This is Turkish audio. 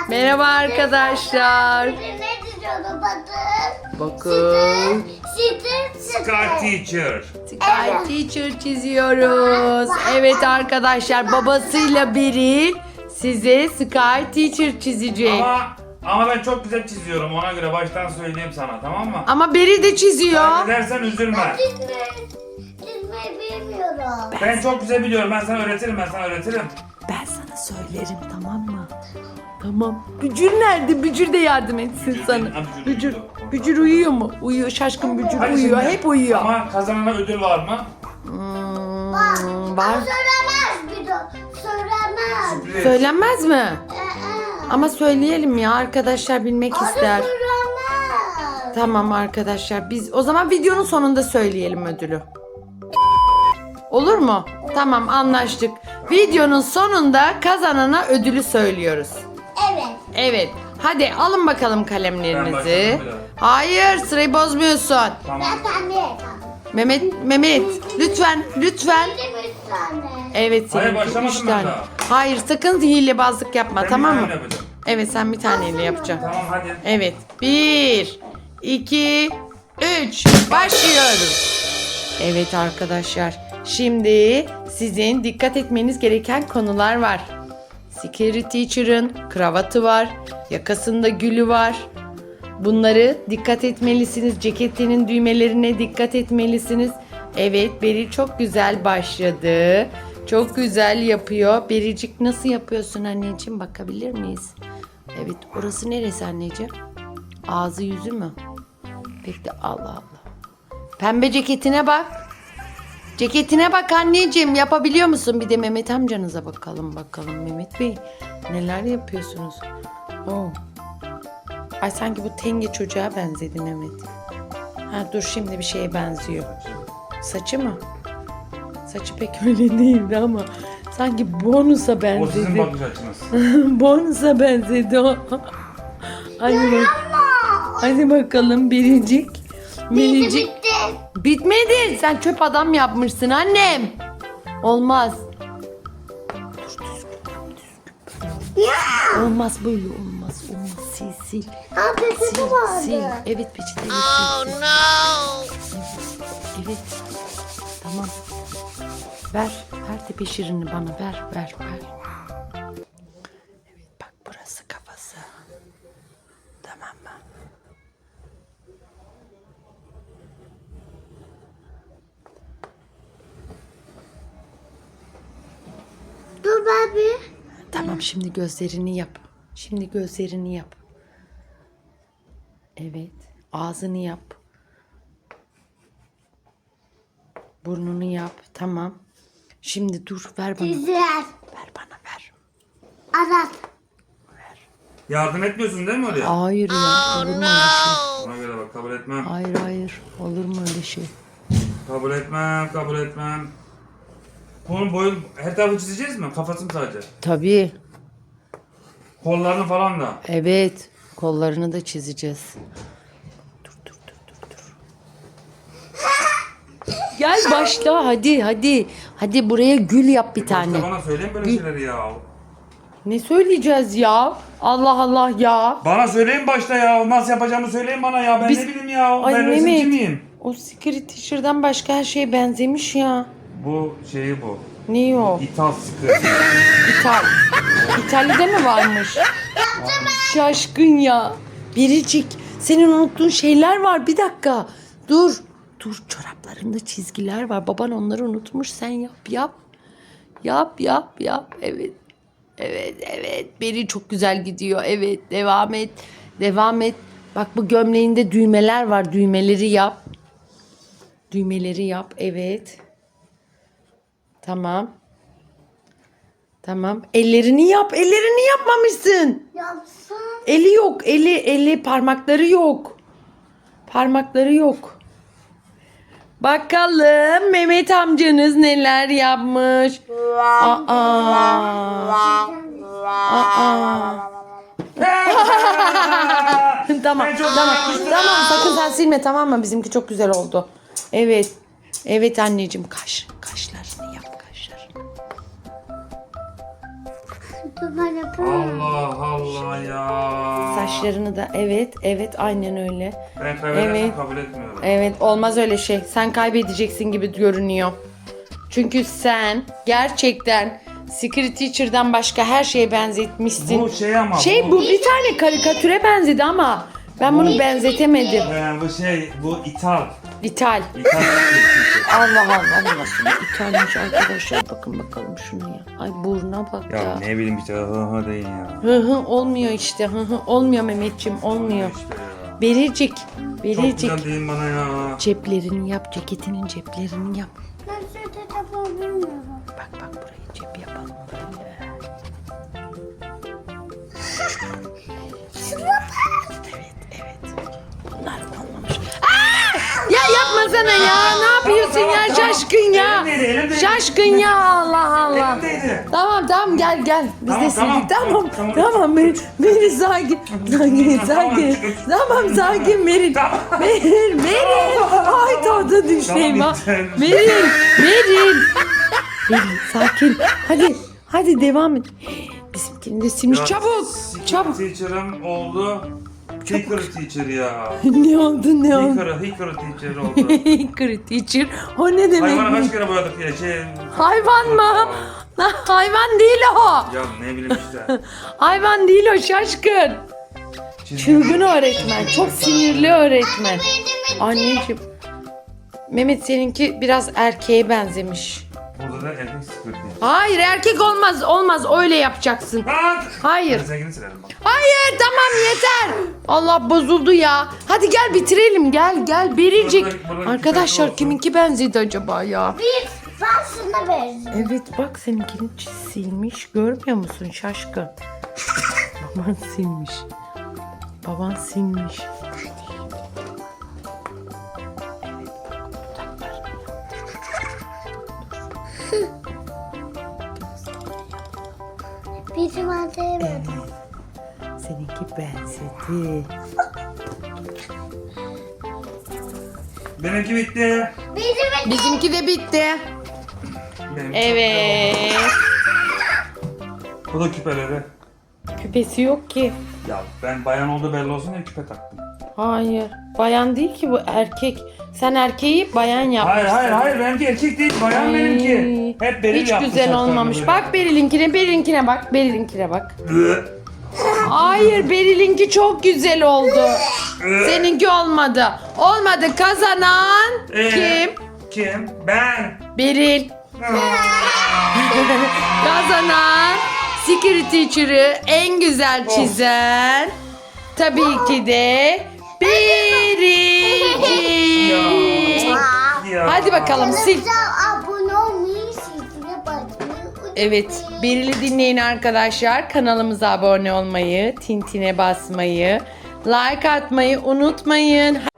Merhaba arkadaşlar. Ne diyordu bakın. Bakın. Sky Teacher. Sky Teacher çiziyoruz. Evet arkadaşlar, babasıyla Beril size Sky Teacher çizecek. Ama ben çok güzel çiziyorum, ona göre baştan söyleyeyim sana, tamam mı? Ama Beril de çiziyor. Kaybedersen üzülme. Çizmeyi bilmiyorum. Ben çok güzel biliyorum, ben sana öğretirim. Ben sana söylerim, tamam mı? Tamam. Bücür nerede? Bücür de yardım etsin Bücür sana. değil, ha, Bücür Bücür. uyuyor. Bücür uyuyor mu? Uyuyor. Şaşkın Bücür Hadi uyuyor. şimdi. Hep uyuyor. Ama kazanana ödül var mı? Var. Söylemez bir de. Söylemez. Sürpriz. Söylenmez mi? Ama söyleyelim ya, arkadaşlar bilmek ister. Söylemez. Tamam arkadaşlar, biz o zaman videonun sonunda söyleyelim ödülü. Olur mu? Tamam, anlaştık. Videonun sonunda kazanana ödülü söylüyoruz. Evet. Evet. Hadi alın bakalım Ben kalemlerinizi. başladım bile. Hayır, sırayı bozmuyorsun. Tamam. Ben tane. Mehmet lütfen. Benim üç tane. Evet, Hayır, senin başlamadım 3 ben tane. daha. Hayır, sakın hilebazlık yapma, Ben tamam bir mı? tane yapacağım. Evet, sen bir taneyle yapacaksın. Tamam hadi. Evet. 1, 2, 3. Başlıyoruz. Evet arkadaşlar. Şimdi sizin dikkat etmeniz gereken konular var. Scary Teacher'ın kravatı var. Yakasında gülü var. Bunları dikkat etmelisiniz. Ceketinin düğmelerine dikkat etmelisiniz. Evet, Beril çok güzel başladı. Çok güzel yapıyor. Bericik, nasıl yapıyorsun anneciğim? Bakabilir miyiz? Evet, orası neresi anneciğim? Ağzı yüzü mü? Peki de Allah Allah. Pembe ceketine bak. Ceketine bak anneciğim. Yapabiliyor musun? Bir de Mehmet amcanıza bakalım. Mehmet Bey, neler yapıyorsunuz? Oo. Ay, sanki bu tenge çocuğa benzedi Mehmet. Ha dur, şimdi bir şeye benziyor. Saçı mı? Saçı pek öyle değildi ama sanki bonusa O sizin benzedi. bakış açınız. Bonusa benzedi o. Hadi bakalım Biricik. Biricik. Bitti. Bitmedi. Sen çöp adam yapmışsın annem. Olmaz. Olmaz böyle, olmaz. Sil. Ha peçete Sil. vardı. Evet, peçeteyle sil. Evet. Tamam. Ver tepe şirini bana. Ver. Evet, bak burası kafası. Tamam mı? Dur ben bir. Tamam, şimdi gözlerini yap. Evet. Ağzını yap. Burnunu yap. Tamam. Şimdi dur, ver bana. Güzel. Ver bana. Arat. Yardım etmiyorsun değil mi oraya? Hayır ya. Olur mu öyle şey? Ona göre bak, kabul etmem. Hayır. Olur mu öyle şey? Kabul etmem. Bunun boyun, her tarafı çizeceğiz mi? Kafasını sadece. Tabii. Kollarını falan da. Evet. Kollarını da çizeceğiz. Dur. Gel başla, hadi. Hadi buraya gül yap bir tane. İşte bana söyleyin böyle şeyleri ya. Ne söyleyeceğiz ya? Allah ya. Bana söyleyin başta ya. Nasıl yapacağımı söyleyin bana ya. Ben Biz- ne bileyim ya. Ay Ben resimci Mehmet. miyim? O Secret Teacher'dan başka her şeye benzemiş ya. Bu şeyi bu. Ne o? İthal sıkı. İtalya'da mı varmış? Şaşkın ya. Biricik, senin unuttuğun şeyler var. Bir dakika. Dur, çoraplarında çizgiler var. Baban onları unutmuş. Sen yap. Yap. Evet. Beri çok güzel gidiyor. Evet, devam et. Bak, bu gömleğinde düğmeler var. Düğmeleri yap. Evet. Tamam. Ellerini yap. Ellerini yapmamışsın. Yapsın. Eli yok. Eli parmakları yok. Bakalım Mehmet amcanız neler yapmış. Tamam. Sakın sen silme, tamam mı? Bizimki çok güzel oldu. Evet anneciğim, kaşlarını yap. Dur ben yapamam. Allah Allah ya. Saçlarını da evet aynen öyle. Ben kaybedersem Evet. kabul etmiyorum. Evet olmaz öyle şey. Sen kaybedeceksin gibi görünüyor. Çünkü sen gerçekten Secret Teacher'dan başka her şeye benzetmişsin. Bu şey ama. Bu bir tane karikatüre benzedi ama ben bunu benzetemedim. Bu şey, bu ithal. İthal. İthal. Allah Allah nasıl bir ithalmiş arkadaşlar. Bakın bakalım şuna ya. Ay burnuna bak ya. Ya ne bileyim işte hı deyin ya. Hı hı olmuyor işte. Hı hı olmuyor Mehmetciğim olmuyor. İşte ya. Bericik. Çok Bericik. güzel deyin bana ya. Ceplerini yap. Ceketinin ceplerini yap. Ben şurada yapabiliyorum. Bak burayı cep yapalım böyle. Evet. Bunlar olmamış. Ya yapmasana ya. Ne yapıyorsun ya tamam. şaşkın ya. Elimdeydi. Şaşkın ya Allah Allah. Elimdeydi. Tamam gel. Biz Tamam, de sildik. tamam. Tamam. Beni sakin. Tamam sakin Merin. Tamam. Merin. Ay tadı düşeyim ha. Tamam, Merin. Sakin. Hadi devam et. Bizimkini de silmiş. Ya, Çabuk. Secret Teacher'ım oldu. Hickory Teacher ya. Ne oldu? Hickory Teacher oldu. Hickory Teacher. O ne demek? Hayvana kaç kere boyadık ya Hayvan mı? Lan hayvan değil o. Ya ne bileyim işte. Hayvan değil o şaşkın. Çılgın öğretmen. Çok sinirli öğretmen. Anneciğim. Mehmet seninki biraz erkeğe benzemiş. Burada da erkek Secret Teacher. Hayır erkek olmaz öyle yapacaksın. Lan! Hayır. Ben seninkini silerim bak. Hayır tamam yeter. Allah bozuldu ya. Hadi gel bitirelim gel Bericik. Burada Arkadaşlar olsun. kiminki benzedi acaba ya? Ben şuna benziyorum. Evet bak seninkini silmiş. Görmüyor musun şaşkın? Baban silmiş. Bizim adaya verdim. Seninki benzedi. Benimki bitti. Bizimki de bitti. Benimki Evet. Bu da küpeleri. Küpesi yok ki. Ya ben bayan oldu belli olsun diye küpe taktım. Hayır. Bayan değil ki bu erkek. Sen erkeği bayan yapmışsın. Hayır benimki erkek değil bayan Ay, benimki. Hep Beril hiç yaptı güzel saçlarını olmamış. böyle. Bak Beril'inkine bak. Hayır Beril'inki çok güzel oldu. Seninki olmadı. Olmadı kazanan kim? Kim? Ben. Beril. Kazanan Secret Teacher'ı en güzel çizen tabii ki de Bericik. Ya. Hadi bakalım sil. Kanalımıza abone olmayı, zilini basmayı unutmayın. Evet, Beril'i dinleyin arkadaşlar. Kanalımıza abone olmayı, tintine basmayı, like atmayı unutmayın.